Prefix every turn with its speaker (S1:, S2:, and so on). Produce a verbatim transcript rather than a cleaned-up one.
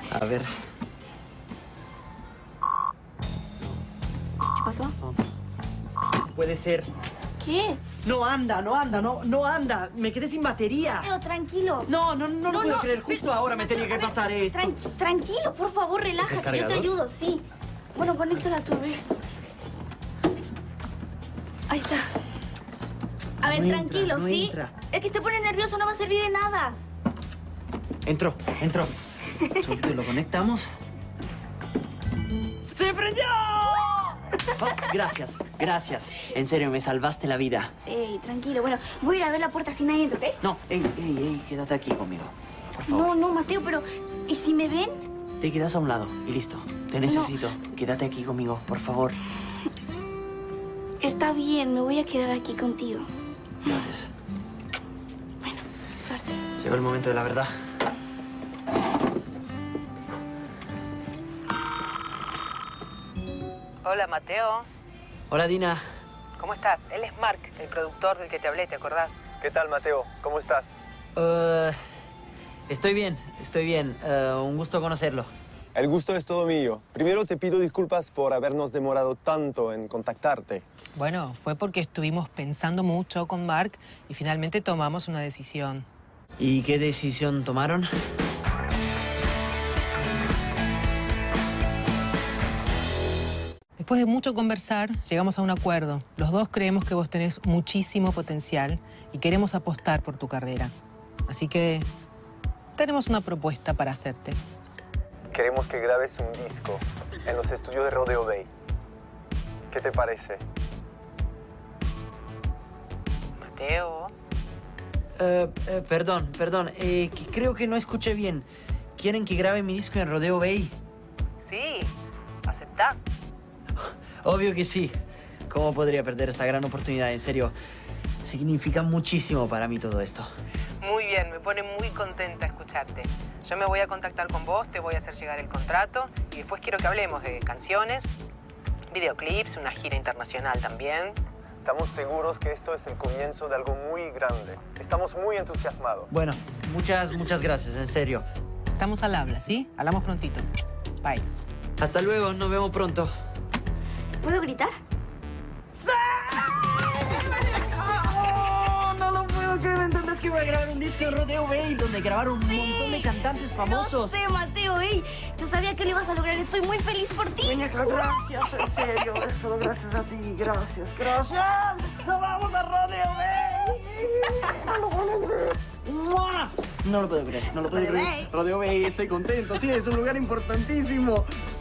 S1: A ver.
S2: ¿Qué pasó?
S1: No. Puede ser.
S2: ¿Qué?
S1: No anda, no anda, no, no anda. Me quedé sin batería.
S2: Mateo, tranquilo.
S1: No, no, no, no,
S2: No,
S1: puedo
S2: no,
S1: creer. Justo
S2: pero-
S1: ahora me tenía
S2: a
S1: que
S2: ver,
S1: pasar esto.
S2: Tran- tranquilo, por favor,
S1: ¿Es el
S2: relájate. Yo te
S1: cargador?
S2: ayudo, sí. Bueno, conéctala tú, a ver. Ahí está. A ver,
S1: No entra,
S2: tranquilo,
S1: no
S2: ¿sí?
S1: entra.
S2: Es que te pone nervioso, no va a servir de nada.
S1: Entró, entró. Solito lo conectamos. ¡Se prendió! Oh, gracias, gracias. En serio, me salvaste la vida.
S2: Ey, tranquilo. Bueno, voy a ir a ver la puerta si nadie entra, ¿ok?
S1: No, ey, ey, ey, quédate aquí conmigo. Por favor.
S2: No, no, Mateo, pero... ¿Y si me ven?
S1: Te quedas a un lado y listo. Te necesito. Quédate aquí conmigo, por favor.
S2: Está bien, me voy a quedar aquí contigo.
S1: Gracias.
S2: Bueno, suerte.
S1: Llegó el momento de la verdad.
S3: Hola, Mateo.
S1: Hola, Dina.
S3: ¿Cómo estás? Él es Mark, el productor del que te hablé, ¿te acordás?
S4: ¿Qué tal, Mateo? ¿Cómo estás?
S1: Uh, estoy bien, estoy bien. Uh, un gusto conocerlo.
S4: El gusto es todo mío. Primero te pido disculpas por habernos demorado tanto en contactarte.
S5: Bueno, fue porque estuvimos pensando mucho con Mark y finalmente tomamos una decisión.
S1: ¿Y qué decisión tomaron?
S5: Después de mucho conversar, llegamos a un acuerdo. Los dos creemos que vos tenés muchísimo potencial y queremos apostar por tu carrera. Así que tenemos una propuesta para hacerte.
S4: Queremos que grabes un disco en los estudios de Rodeo Bay. ¿Qué te parece?
S3: Mateo.
S1: Uh, uh, perdón, perdón. Eh, que creo que no escuché bien. ¿Quieren que grabe mi disco en Rodeo Bay?
S3: Sí. ¿Aceptás?
S1: Obvio que sí. ¿Cómo podría perder esta gran oportunidad? En serio, significa muchísimo para mí todo esto.
S3: Muy bien, me pone muy contenta escucharte. Yo me voy a contactar con vos, te voy a hacer llegar el contrato y después quiero que hablemos de canciones, videoclips, una gira internacional también.
S4: Estamos seguros que esto es el comienzo de algo muy grande. Estamos muy entusiasmados.
S1: Bueno, muchas, muchas gracias, en serio.
S5: Estamos al habla, ¿sí? Hablamos prontito. Bye.
S1: Hasta luego, nos vemos pronto.
S2: ¿Puedo gritar?
S1: ¡Oh, no lo puedo creer! ¿Entendés que voy a grabar un disco en Rodeo Bay donde grabaron un montón de cantantes famosos?
S2: No sé, Mateo, ey. Yo sabía que lo ibas a lograr. Estoy muy feliz por ti.
S1: Muñeca, gracias, en serio. Solo gracias a ti, gracias, gracias. ¡Nos vamos a Rodeo Bay! No lo puedo creer. ¡Mua! No lo puedo creer, no lo puedo
S2: Rodeo
S1: creer.
S2: Bay.
S1: Rodeo Bay, estoy contento, sí, es un lugar importantísimo.